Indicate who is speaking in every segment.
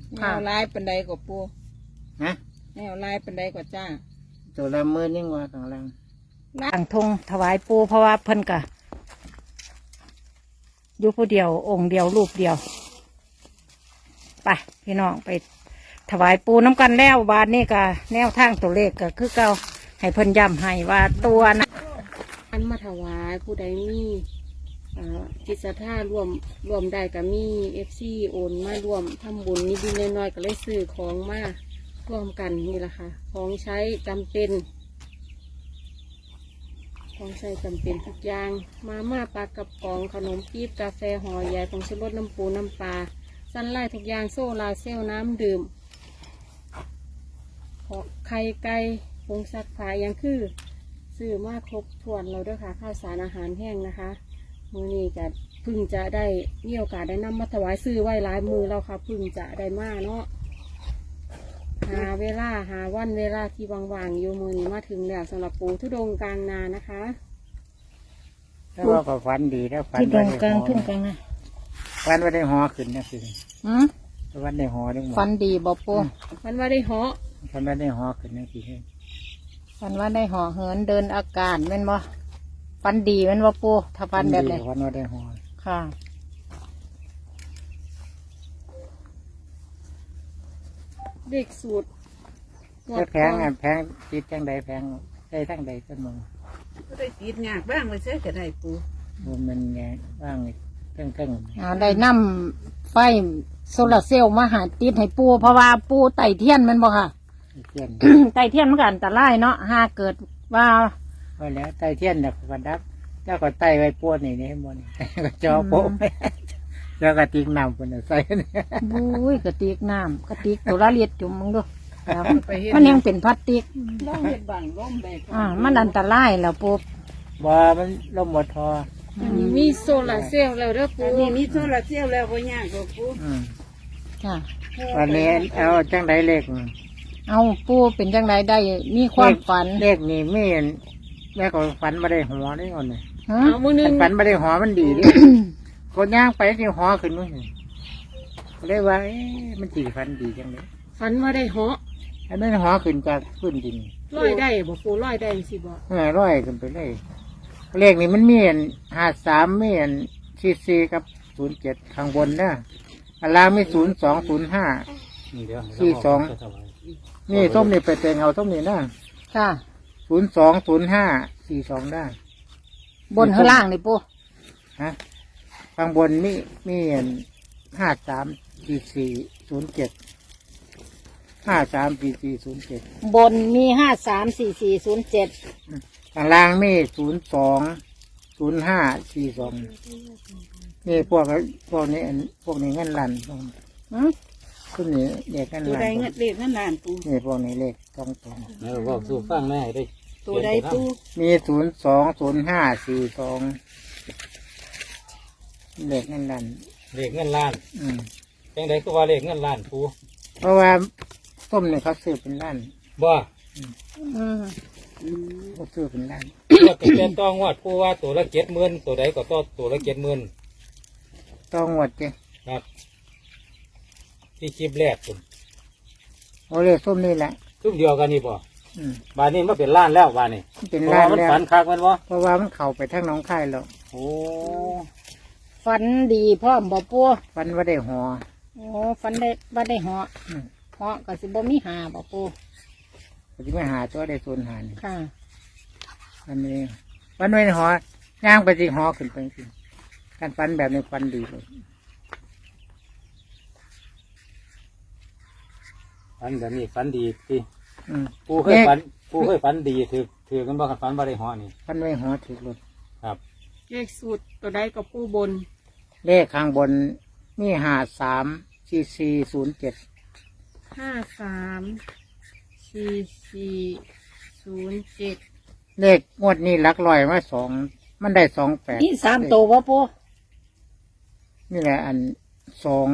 Speaker 1: แนวลายปันใดกว่าปู
Speaker 2: ฮะ
Speaker 1: แนวลายปันใดกว่าจ้า
Speaker 2: ตัวละหมื่นยิ่งกว่าข้างล่าง
Speaker 3: ตั้งธงถวายปูเพราะว่าเพิ่นกะอยู่ผู้เดียวองค์เดียวรูปเดียวไปพี่น้องไปถวายปูน้ำกันแล้วบาทนี่กะแนวทางตัวเลขก็คือเก่าให้เพิ่นย้ำให้ว่าตัวนะ
Speaker 1: อันมาถวายผู้ใดมีจิตศรัทธาร่วมได้กับมีFC โอนมาร่วมทำบุญนิดๆน้อยๆก็เลยซื้อของมาร่วมกันนี่แหละค่ะของใช้จำเป็นของใช้จำเป็นทุกอย่างมาม่าปลากระป๋องขนมปี๊บกาแฟห่อใหญ่ผงชูรสน้ำปูน้ำปลาสั้นไล่ทุกอย่างโซลาเซลล์น้ำดื่มไข่ไก่ผงซักผ้ายังคือซื้อมาครบถ้วนเราด้วยค่ะข้าวสารอาหารแห้งนะคะมื้อนี้จะเพึ่งจะได้มีโอกาสได้นำมาถวายซื้อไว้หลายมือแล้วค่ะเพึ่งจะได้มาเนาะหาเวลาหาวันเวลาที่ว่างๆอยู่มือนี้มาถึงแล้วสำหรับปูทุดงค์กลางนานะคะ
Speaker 2: แล้วว่าก็ฝันดีแล้วฝัน
Speaker 3: ที่ตรงกลาง
Speaker 2: ว่า
Speaker 3: ทุ่งกลางนะ
Speaker 2: ฝันว่าได้หอขึ้นนะคือ
Speaker 3: หืม
Speaker 2: ฝันได้หอได้หมด
Speaker 3: ฟันดีบ่ปู
Speaker 1: มันว่าได้เหาะ
Speaker 2: ฝันว่าได้หอขึ้นนะคือ
Speaker 3: ฟันว่าได้ห่อเหินเดินอากาศแม่นบ่ฟันดีแม่นบ่ปูถ้าฟันแบบไหน
Speaker 2: ฝันว่าได้หอ
Speaker 3: ค่ะ
Speaker 1: เด็กสูตร
Speaker 2: แล้วแพงแพงติดจังใดแพงได้ทั้งใดก็มึง
Speaker 4: ก็ได้ติดงากบ้างเลยเสียก็ได้ปู
Speaker 2: มันไงบ้างเครื่อง
Speaker 3: ได้นำไฟโซลาร์เซลล์มาหาติดให้ปูเพราะว่าปูไต่เทียนแมันบ่ค่ะ
Speaker 2: เทียน
Speaker 3: ไต่เทียนมันก็อันตรายเนาะหากเกิดว่า
Speaker 2: ว่าแล้วไตเทียนดับกันดับแล้วก็ไตไว้ปวดนี่นี่บนก็จอโป๊ะแล้วก็ติ๊กน้ำคนใส่เนี่ย
Speaker 3: บุ้ยกระติกน้ำกระติกตัวละเลียดจุ่มมึงดูแล้ว
Speaker 4: ไปเห็น
Speaker 3: มันยังเป็นพลาสติก
Speaker 4: ล่องเห็ดบางล่มได้
Speaker 3: มันอันตรายแล้วปู
Speaker 2: บ่มันลมหมดทอ
Speaker 1: อันนี้มีโซลาร์เซลล์แล้วเด้อปู
Speaker 4: อันนี้มีโซลาร์เซลล์แล้วก็ยากกว่าปู
Speaker 3: ค่ะ
Speaker 2: วันนี้เอาจังใดเลข
Speaker 3: เอาปูเป็นจังไรได้มีความฝัน
Speaker 2: เลขนี่ไม่เห็นแม่ก็ฝันมาได้หัวได้ก่อนเลย
Speaker 3: ฮะ
Speaker 1: เอามือหนึง
Speaker 2: ฝันมาได้หัวมันดีดิคนย่างไปที่หัวขึ้นนู่นเลยว่ามันจีฝันดีจังเลย
Speaker 1: ฝันว่าได้เหาะ
Speaker 2: อันนั้นหัวขึ้นจากพื้นดิน
Speaker 1: ร้อยได้บ่ปูร้อยได้สิบ่
Speaker 2: ร้อยขึ้นไปเลยเลขนี่มันมี53มี44กับ07ข้างบนนะอันล่างมี0205 42นี่ส้มนี่ไปเต็งเอาส้มนี่นะ
Speaker 3: ค่ะ
Speaker 2: 020542ได้
Speaker 3: บนข้างล่างนี่ปู
Speaker 2: ฮะข้างบนมี534407
Speaker 3: บนมี534407
Speaker 2: ข้างล่างมี020542นี่พวกนี้พวกนี้เงินลันพวกนี้เด็กเงิน
Speaker 4: ตัว
Speaker 2: ลัน
Speaker 4: ใดเงินเด็กนั่นล้านปู
Speaker 2: นี่พวกนี้เลขตรง
Speaker 5: บอกสู่ฟังแม่ได้
Speaker 4: ตัวใดปู
Speaker 2: มี020542เลขเงินลัน
Speaker 5: เลขเงินล้านจังไดก็ว่าเลขเงินล้านปู
Speaker 2: เพราะว่าส้มเนี่ยเขาซื้อเป็นล้าน
Speaker 5: บ่
Speaker 2: เขาซื้อเป็นล้าน
Speaker 5: ก็เป็นต้องงวดปูว่าตัวละ70,000ตัวใดก็ตัวละ70,000
Speaker 2: ต้องหมดจ้ะ
Speaker 5: ครับที่คลิปแรกคุณ
Speaker 2: เอาเลขส้มนี่แหละ
Speaker 5: ทุกเดียวกันนี่บ่
Speaker 2: อืม
Speaker 5: บานนี้มาเป็นล้านแล้วบานนี้
Speaker 2: มันเป็น
Speaker 5: เพราะ
Speaker 2: ล้าน
Speaker 5: ว่ามัน
Speaker 2: แล้ว
Speaker 5: ฝันคักแมันบ่
Speaker 2: เพราะว่ามันเข้าไปทั้งหน้องค่ายแล้ว
Speaker 5: โอ้
Speaker 3: ฝันดีพร้อมบ่ปู
Speaker 2: ฟันว่าได้หอ
Speaker 3: โอ้ฝันได้ว่าได้เหาะ
Speaker 2: อืม
Speaker 3: เหาะก็สิบ่มีหาบ่ปู
Speaker 2: ก็จะไม่หาตัวได้ส่วนหาร
Speaker 3: ค่ะ
Speaker 2: อันนี้ฟันไว้ในหอย่างไปที่หอขึ้นไปสิการฟันแบบนี้ฟันดีเลย
Speaker 5: ฝันแบบนี้ฝันดีสิ
Speaker 2: อืม
Speaker 5: ปูเคยฝันดีถือกันบ่คันฝันบ่ได้หอนี่
Speaker 2: ฟันไว้หอถือรถ
Speaker 5: ครับ
Speaker 1: เลขสูตรตัวใดก็ปูบน
Speaker 2: เลขข้างบนมี534407
Speaker 1: 534407
Speaker 2: เลขงวดนี้หลักร้อยมา2มันได้28
Speaker 3: นี่3ตัวบ่ปู
Speaker 2: นี่แหละอันสอง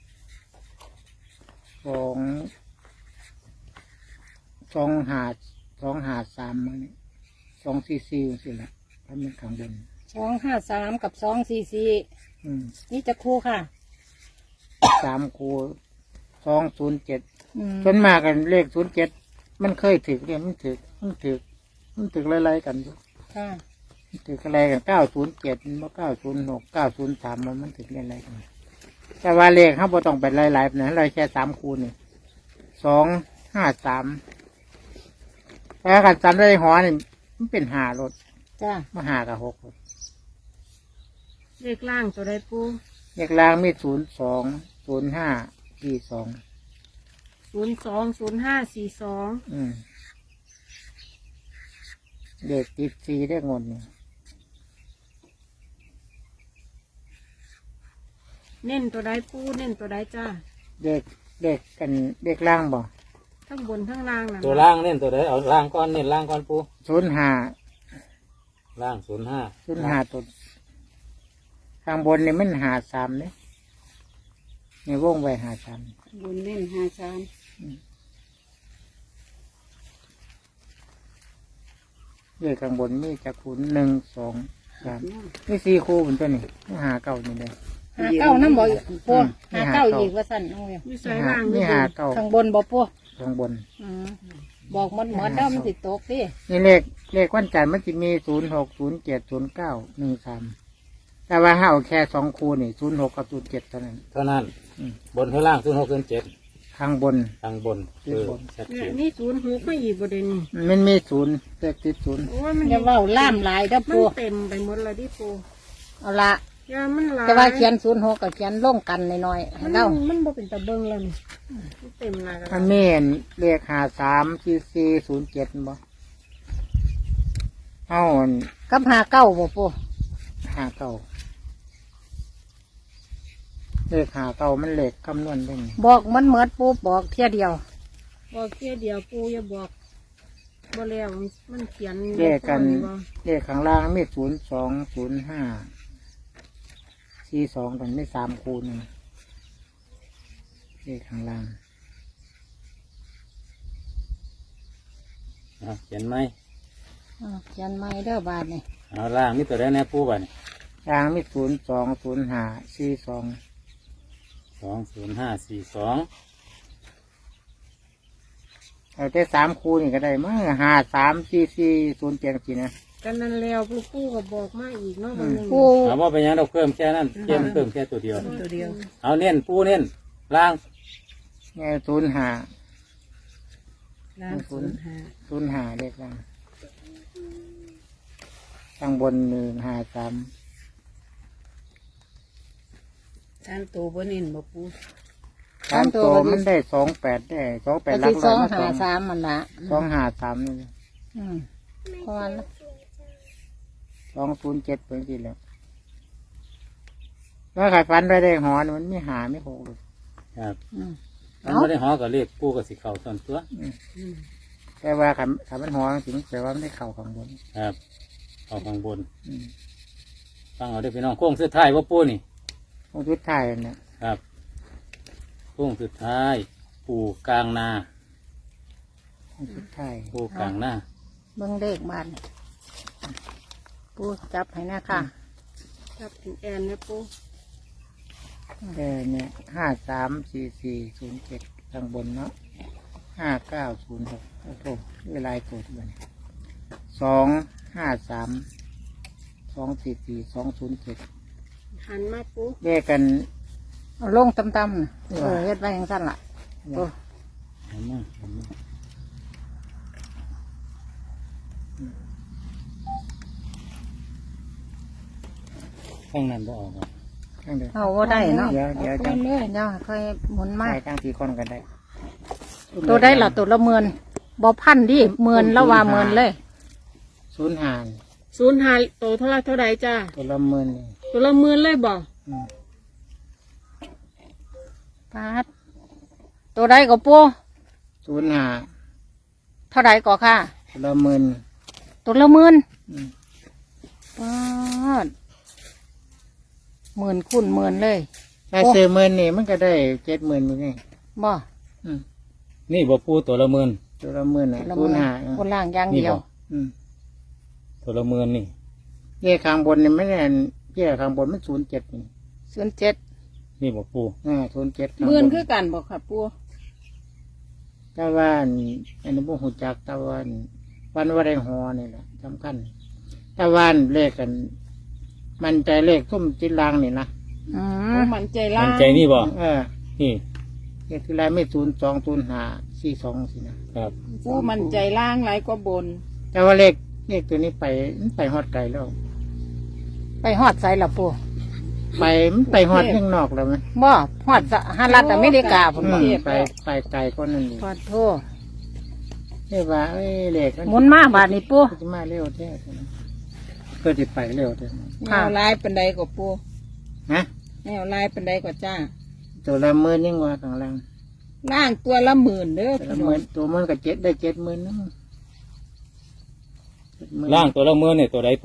Speaker 2: หา3มันนี่244สิละถ้ามันข้างบน
Speaker 3: 253กับ244
Speaker 2: อืม
Speaker 3: นี่จะคู่ค่ะ
Speaker 2: 3คู 207
Speaker 3: อืม
Speaker 2: ส่วนมากกันเลข07มันเคยถึกเนี่ยมันถึกไล่ๆกันอยู่
Speaker 3: ค่ะ
Speaker 2: ถึกอะไรกัน907มัน906 903มันถึกไล่ๆกันแต่ว่าเลขเขาบ่ต้องไปไล่ๆนะไล่แค่3คูนี่253แต่การจำได้หอนี่มันเป็น5รถ
Speaker 3: จ้า
Speaker 2: มา5กับ6รถ
Speaker 1: เลขล่างตัวใดปู
Speaker 2: เลขล่างมี02 05 42
Speaker 1: 020542
Speaker 2: เลขติด4ได้งนนี่
Speaker 1: เน้นตัวใดปูเน้นตัวใดจ้า
Speaker 2: เลขล่างบ่
Speaker 1: ทั้งบนทั้งล่างนะ
Speaker 5: ตัวล่างเน้นตัวใดเอาล่างก่อนเน้นล่างก่อนปู
Speaker 2: 05
Speaker 5: ล่าง05
Speaker 2: ตัวข้างบนนี่มัน53เนี่ยในวงไว้53
Speaker 4: บุญเน้น53
Speaker 2: เลขข้างบนมีจักคูณ1 2 3นี่4คู่บนตัวนี้หาเก่านี่เลย
Speaker 3: หาเก้าน้ำบ่อีกปู
Speaker 2: อืม
Speaker 3: หาเก้าอีกว่าสั่นเอาอยู่
Speaker 1: มีใส่ล่าง
Speaker 2: นี่
Speaker 1: นี่
Speaker 2: หาเก่า
Speaker 3: ข้างบนบ่ปู
Speaker 2: ข้างบน
Speaker 3: อืมบอกมันหมดแล้วมันติดตกดิ
Speaker 2: นี่เลขวันจันทร์มันจะมี06 07 09 13แต่ว่าเฮาแค่2คู่นี่06กับ07เท่านั้น
Speaker 5: เท่านั้น
Speaker 2: อืม
Speaker 5: บนเท่าล่าง0607
Speaker 2: ข้างบน
Speaker 5: ทางบน
Speaker 2: ขึ้นบน
Speaker 5: ชัด
Speaker 1: เนี่
Speaker 5: เจ
Speaker 1: ย
Speaker 5: น
Speaker 1: นี่06ไม่อีกประเด็นนี่
Speaker 2: มันมี0เลขติด0
Speaker 1: โอ้ยมัน
Speaker 3: อย่าเว้าล่ามหลายเด้อ
Speaker 1: มัน
Speaker 3: ปู
Speaker 1: เต็มไปหมดเลยดิปู
Speaker 3: เอาละ
Speaker 1: ยามันหลาย
Speaker 3: แต่ว่าเขียน06กับเขียนลงกันหน่อยๆให้
Speaker 1: มัน
Speaker 3: เด้า
Speaker 1: มันบ่เป็นตะเบิงแล้วนี่มันเต็มหลายแล้ว
Speaker 2: มันมีเลข53 44 07บ่เฮา
Speaker 3: กับหาเก้าบ่ปู
Speaker 2: 5 เก่าเลข5 เก่ามันเลขคำนวณได้ไง
Speaker 3: บอกมันเหมือดปูบอกเที่ยเดียว
Speaker 1: บอกแค่เดียวปูอย่าบอกบ่แล้วมันเขียน
Speaker 2: เลขกัน
Speaker 1: บ่
Speaker 2: เลขข้างล่างมี02 05 42กันไม่3คูณงเลขข้างล่าง
Speaker 5: เขียนไหม
Speaker 3: เขียนไม่เด้อบาทนี่
Speaker 5: เอาล่างนี่ตัวใดแน่ปูบ่เนี่ย
Speaker 2: ล่างมี02 05 42
Speaker 5: 20542
Speaker 2: เอาแต่3คูนี่ก็ได้มั้ง53 44 07สินะ
Speaker 1: กันนั้นแล้วปูก็บอกมาอีกเนาะบางนึง
Speaker 3: ปู
Speaker 5: ถามว่าเป็นหยังเราเพิ่มแค่นั้นเพิ่มแค่ตัวเดียว
Speaker 3: ตัวเดียว
Speaker 5: เอาเน้นปูเน้นล่าง
Speaker 2: ไง05
Speaker 4: ล้าง
Speaker 2: 05เลขล่างข้างบน153
Speaker 4: ทางตัวบ่เน้นบ่ปู
Speaker 2: 3ตัวมันได้28ได้28หลั
Speaker 3: ที่
Speaker 2: ก
Speaker 3: ส
Speaker 2: ร้
Speaker 3: อ
Speaker 2: อง ย
Speaker 3: หาสามมันละ
Speaker 2: 253นี่
Speaker 3: อืมเพราะว่า
Speaker 2: 207เป็นที่แล้วแล้วขายฟันไปได้หอนมันไม่หาไม่หกเลย
Speaker 5: ครับ
Speaker 3: อืม
Speaker 5: มันไม่ได้หอกับเลขปูกับสีเข่าส่วนตัว
Speaker 2: แต่ว่าขันมันหอถึงแต่ว่ามันได้เข่าข้างบน
Speaker 5: ครับเอาข้างบน
Speaker 2: อืม
Speaker 5: ฟังเอาได้อพี่น้องโค้งสุดท้ายว่าปูนี่
Speaker 2: ตรงชุดไทายเนี่ย
Speaker 5: ครับโค้งสุดท้ายปูกลางนา
Speaker 2: ตรงชุดไทาย
Speaker 5: ปูกลางนา
Speaker 3: เบิ่งเลขบาทนี่ปูจับให้นะค่ะ
Speaker 1: จับถึงแอนนะปู
Speaker 2: แต่เนี่ย534407ข้างบนเนาะ5906โอ้โหเวลาตัวที่มัน253 244 207
Speaker 1: หันมาปู
Speaker 2: เลขกัน
Speaker 3: เอาลงต่ำๆน่ะเฮ็ดไว้อย่างสั้นล่ะโอ้
Speaker 5: เห็นไหมเห็นไหมข้างนั้นบ่ออกอ่ะ
Speaker 2: ข้างเดียว
Speaker 3: เอาว่าได้เนาะ
Speaker 2: เดี๋ยว
Speaker 3: เอา
Speaker 2: จัง
Speaker 3: เลยเดี๋ยวค่อยหมุนมา
Speaker 2: ใส่ตั้งทีคนกันได้
Speaker 3: ตัวได้ละตัวละเมือนบ่พันดิเมือนแล้วว่าเมือนเลย
Speaker 2: 05
Speaker 1: 05โตเท่าไรเท่าใดจ้า
Speaker 2: ตัวละหมื่นนี่
Speaker 1: ตัวละ10,000เลยบ่
Speaker 2: อืม
Speaker 3: ปาดตัวใดก็ปู
Speaker 2: 05
Speaker 3: เท่าใดก็ค่ะ
Speaker 2: ตัวละหมื่น
Speaker 3: ตัวละหมื่น
Speaker 2: อืม
Speaker 3: ปาดหมื่นคูณหมื่นเลย
Speaker 2: ถ้าซื้อหมื่นนี่มันก็ได้70,000มื้อนี่
Speaker 3: บ่
Speaker 2: อืม
Speaker 5: นี่บ่ปูตัวละหมื่น
Speaker 2: ตัวละหมื่นน่ะ
Speaker 3: ละหมื่น
Speaker 2: 05
Speaker 3: คนล่างอย่าง
Speaker 5: นี่
Speaker 3: เดียว
Speaker 5: บ่
Speaker 2: อืม
Speaker 5: ตัวละหมื่นนี่
Speaker 2: เย่ข้างบนนี่ไม่ได้เย่ข้างบนมัน07นี่
Speaker 3: 07
Speaker 5: นี่บ่ปู
Speaker 2: 07
Speaker 4: หมื่นคือกันบ่ครับปู
Speaker 2: แต่ว่าอันนี้บ่ฮู้จักแต่ว่าวันว่าได้หอนี่แหละสำคัญแต่ว่าเลขกัน มันใจเลขทุ่มจิตลางนี่นะ
Speaker 3: อื
Speaker 1: โอ้
Speaker 3: ม
Speaker 1: มันใจ
Speaker 5: มั
Speaker 1: ล่าน ง
Speaker 5: ใจนี่บ่
Speaker 2: เออ
Speaker 5: นี่
Speaker 2: เลขที่ไรไม่020542สินะครับ
Speaker 1: ปูมันใจล่างหลายกว่าบน
Speaker 2: แต่ว่าเลขตัวนี้ไปฮอดไกลแล้ว
Speaker 3: ไปฮอดไสละปู
Speaker 2: มันไปฮอดข้างนอกแล้วไหม
Speaker 3: บ่ฮอดสหรัฐอเมริกาพุ่น
Speaker 2: อื
Speaker 3: บ่
Speaker 2: มไปไกลก็นั่นนี่
Speaker 3: ขอโทษ
Speaker 2: เรียกว่าเลข
Speaker 3: หมุนมาบาดนี้ปู
Speaker 2: จะมาเร็วแท้ก็จะไปเร็วแท้
Speaker 1: แนวลายเป็นใดกว่าปู
Speaker 2: ฮะ
Speaker 1: แนวลายเป็นใดกว่าจ้า
Speaker 2: ตัวละหมื่นยิ่งกว่าข้างล่าง
Speaker 1: ล่างตัวละหมื่นเด้อ
Speaker 2: ตัวละหมื่นตัวมันก็ได้70,000นึง
Speaker 5: ล่างตัวละเมื่อเนี่ยตัวใดปู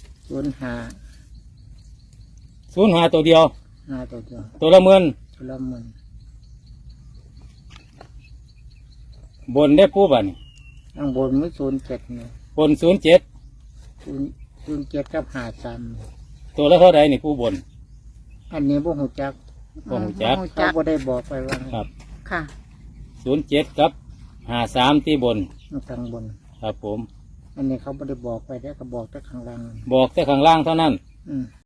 Speaker 2: 05
Speaker 5: 05ตัวเดียว
Speaker 2: 5ตัวเดียว
Speaker 5: ตัวละเมื่อ
Speaker 2: ตัวละหมื่น
Speaker 5: บนได้ปูบ่นี่
Speaker 2: ข้างบนมัน07เนี่ย
Speaker 5: บน07
Speaker 2: 07กับ53
Speaker 5: ตัวละเท่าใดนี่ปูบน
Speaker 2: อันนี้บ่ฮู้จัก
Speaker 5: บ่ฮู้จัก
Speaker 3: บ่ฮู้
Speaker 2: เขา
Speaker 3: จัก
Speaker 2: บ่ได้บอกไปว่า
Speaker 5: ครับ
Speaker 3: ค่ะ
Speaker 5: 07กับ53ที่บน
Speaker 2: มันข้างบน
Speaker 5: ครับผม
Speaker 2: อันนี้เขาบ่ได้บอกไปได้ก็บอกแต่ข้างล่าง
Speaker 5: บอกแต่ข้างล่างเท่านั้น
Speaker 2: อืม